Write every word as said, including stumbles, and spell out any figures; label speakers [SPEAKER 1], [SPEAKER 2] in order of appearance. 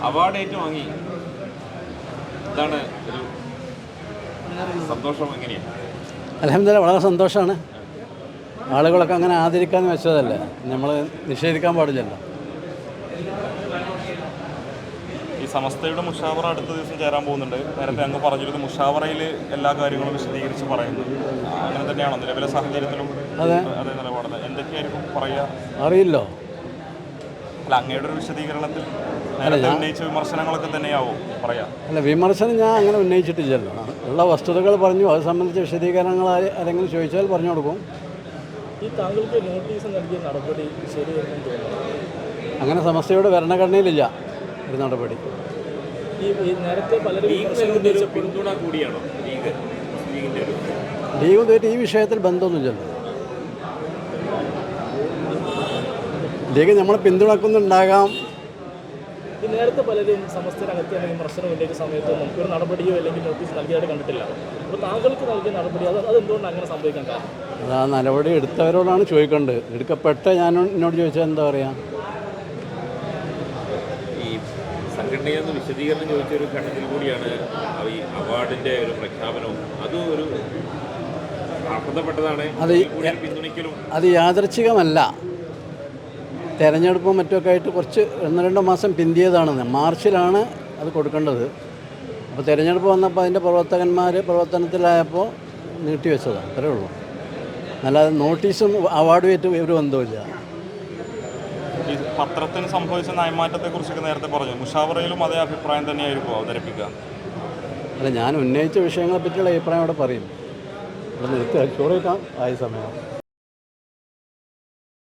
[SPEAKER 1] Award ഏറ്റുവാങ്ങി. ഇതാണ് ഒരു സന്തോഷം. എങ്ങനെയാണ്?
[SPEAKER 2] അൽഹംദുലില്ലാഹ് വളരെ സന്തോഷമാണ്. ആളുകളൊക്കെ അങ്ങനെ ആദരിക്കാമെന്ന് വെച്ചതല്ലേ, നമ്മൾ നിഷേധിക്കാൻ പാടില്ലല്ലോ.
[SPEAKER 1] ഈ സമസ്തയുടെ മുഷാവറ അടുത്ത ദിവസം ചേരാൻ പോകുന്നുണ്ട്. നേരത്തെ അങ്ങ് പറഞ്ഞിരുന്നു മുഷാവറയിൽ എല്ലാ കാര്യങ്ങളും വിശദീകരിച്ച് പറയുന്നു. അങ്ങനെ തന്നെയാണോ നിലവിലെ സാഹചര്യത്തിലും?
[SPEAKER 2] അതെ
[SPEAKER 1] അതേ നിലപാട് എന്തൊക്കെയായിരിക്കും പറയുക
[SPEAKER 2] അറിയില്ലോ.
[SPEAKER 1] അല്ല, അങ്ങയുടെ ഒരു വിശദീകരണത്തിൽ നേരത്തെ ഉന്നയിച്ച വിമർശനങ്ങളൊക്കെ തന്നെയാവും പറയാം.
[SPEAKER 2] അല്ല, വിമർശനം ഞാൻ അങ്ങനെ ഉന്നയിച്ചിട്ടില്ലല്ലോ. ഉള്ള വസ്തുതകൾ പറഞ്ഞു. അത് സംബന്ധിച്ച വിശദീകരണങ്ങൾ ആരെങ്കിലും ചോദിച്ചാൽ പറഞ്ഞു കൊടുക്കും.
[SPEAKER 3] ഈ താങ്കൾക്ക് നോട്ടീസ് നൽകിയ നടപടി ശരിയെന്ന് തോന്നുന്നു?
[SPEAKER 2] അങ്ങനെ സമസ്തയുടെ ഭരണഘടനയിലില്ല ഒരു നടപടി.
[SPEAKER 3] ഈ നേരത്തെ പലരും
[SPEAKER 1] പിന്തുണ കൂടിയാണോ ലീഗ്?
[SPEAKER 2] ലീഗ് ഇതുവരെ ഈ വിഷയത്തിൽ ബന്ധമൊന്നുമില്ലല്ലോ. ലീഗ് നമ്മളെ പിന്തുണക്കുന്നുണ്ടാകാം.
[SPEAKER 3] ഈ നേരത്തെ പലരും സമസ്തരകത്ത് വിമർശനം ഉന്നയിച്ച സമയത്തൊന്നും ഒരു നടപടിയോ അല്ലെങ്കിൽ നോട്ടീസ് നൽകിയതായിട്ട് കണ്ടിട്ടില്ല. അപ്പോൾ താങ്കൾക്ക് നൽകിയ നടപടി അത് അതെന്തുകൊണ്ട് അങ്ങനെ സംഭവിക്കാൻ കാരണം?
[SPEAKER 2] അത് ആ നടപടി എടുത്തവരോടാണ് ചോദിക്കേണ്ടത്. എടുക്കപ്പെട്ട ഞാൻ എന്നോട് ചോദിച്ചാൽ എന്താ പറയുക?
[SPEAKER 1] ഈ സംഘടനയിൽ നിന്ന് വിശദീകരണം ചോദിച്ചൊരു ഘട്ടത്തിൽ കൂടിയാണ് ഈ അവാർഡിൻ്റെ ഒരു പ്രഖ്യാപനവും. അതും ഒരു അർഹതപ്പെട്ടതാണ്.
[SPEAKER 2] അത്
[SPEAKER 1] പിന്തുണയ്ക്കലും
[SPEAKER 2] അത് യാദൃച്ഛികമല്ല. തെരഞ്ഞെടുപ്പും മറ്റുമൊക്കെ ആയിട്ട് കുറച്ച് ഒന്ന് രണ്ടോ മാസം പിന്തിയതാണെന്ന്. മാർച്ചിലാണ് അത് കൊടുക്കേണ്ടത്. അപ്പോൾ തിരഞ്ഞെടുപ്പ് വന്നപ്പോൾ അതിൻ്റെ പ്രവർത്തകന്മാർ പ്രവർത്തനത്തിലായപ്പോൾ നീട്ടിവെച്ചതാണ്. അത്രേ ഉള്ളൂ. അല്ലാതെ നോട്ടീസും അവാർഡുമായിട്ട് ഒരു ബന്ധമില്ല.
[SPEAKER 1] ഈ പത്രത്തിന് സംഭവിച്ച നയമാറ്റത്തെക്കുറിച്ചൊക്കെ നേരത്തെ പറഞ്ഞു. മുഷാവറയിലും അതേ അഭിപ്രായം തന്നെയായിരിക്കും അവതരിപ്പിക്കുക?
[SPEAKER 2] അല്ല, ഞാൻ ഉന്നയിച്ച വിഷയങ്ങളെ പറ്റിയുള്ള അഭിപ്രായം അവിടെ പറയും. ഇവിടെ നിർത്തി ചോറ് വയ്ക്കാം ആയ സമയം.